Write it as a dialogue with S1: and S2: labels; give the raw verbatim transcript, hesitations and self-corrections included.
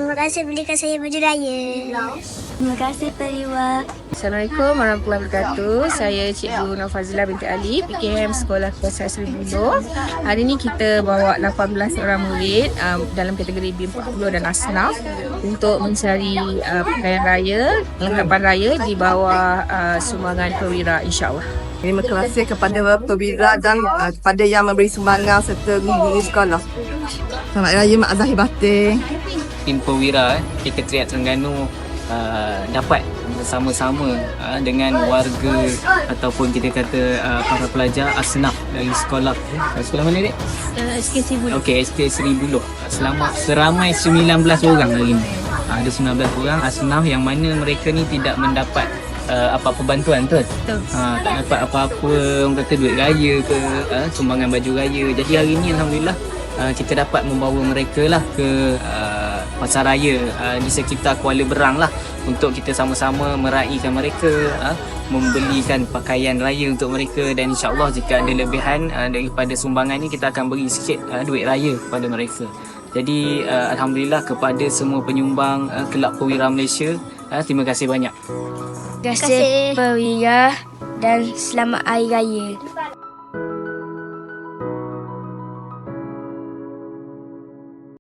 S1: Terima kasih belikan saya baju raya.
S2: Terima kasih Periwa.
S3: Assalamualaikum warahmatullahi wabarakatuh. Saya Cikgu Nafazila binti Ali, P K M Sekolah Kebangsaan Seribu Buloh. Hari ini kita bawa lapan belas orang murid um, dalam kategori B empat puluh dan Asnaf untuk mencari uh, pakaian raya, lengkapan raya di bawah uh, sumbangan perwira, insya-Allah.
S4: Terima kasih kepada perwira dan uh, kepada yang memberi sumbangan serta guru-guru sekolah. Selamat Raya Mak Zahir Batin.
S5: Tim perwira eh, Sekretariat Terengganu uh, dapat bersama-sama uh, dengan warga ataupun kita kata uh, para pelajar asnaf dari sekolah uh, sekolah mana dek?
S2: Uh, S K Seribu.
S5: Okey, S K Seribu Buloh. Selama seramai sembilan belas orang hari ini. Uh, ada sembilan belas orang asnaf yang mana mereka ni tidak mendapat uh, apa-apa bantuan tu.
S2: Betul.
S5: Uh, tak dapat apa-apa orang kata duit raya ke uh, sumbangan baju raya. Jadi hari ini alhamdulillah uh, kita dapat membawa mereka lah ke uh, pasar raya uh, di sekitar Kuala Berang lah untuk kita sama-sama meraihkan mereka, uh, membelikan pakaian raya untuk mereka dan insya-Allah jika ada lebihan uh, daripada sumbangan ni kita akan beri sikit uh, duit raya kepada mereka. Jadi uh, alhamdulillah kepada semua penyumbang uh, Kelab Perwira Malaysia, uh, terima kasih banyak.
S2: Terima kasih Periwa dan selamat Hari Raya.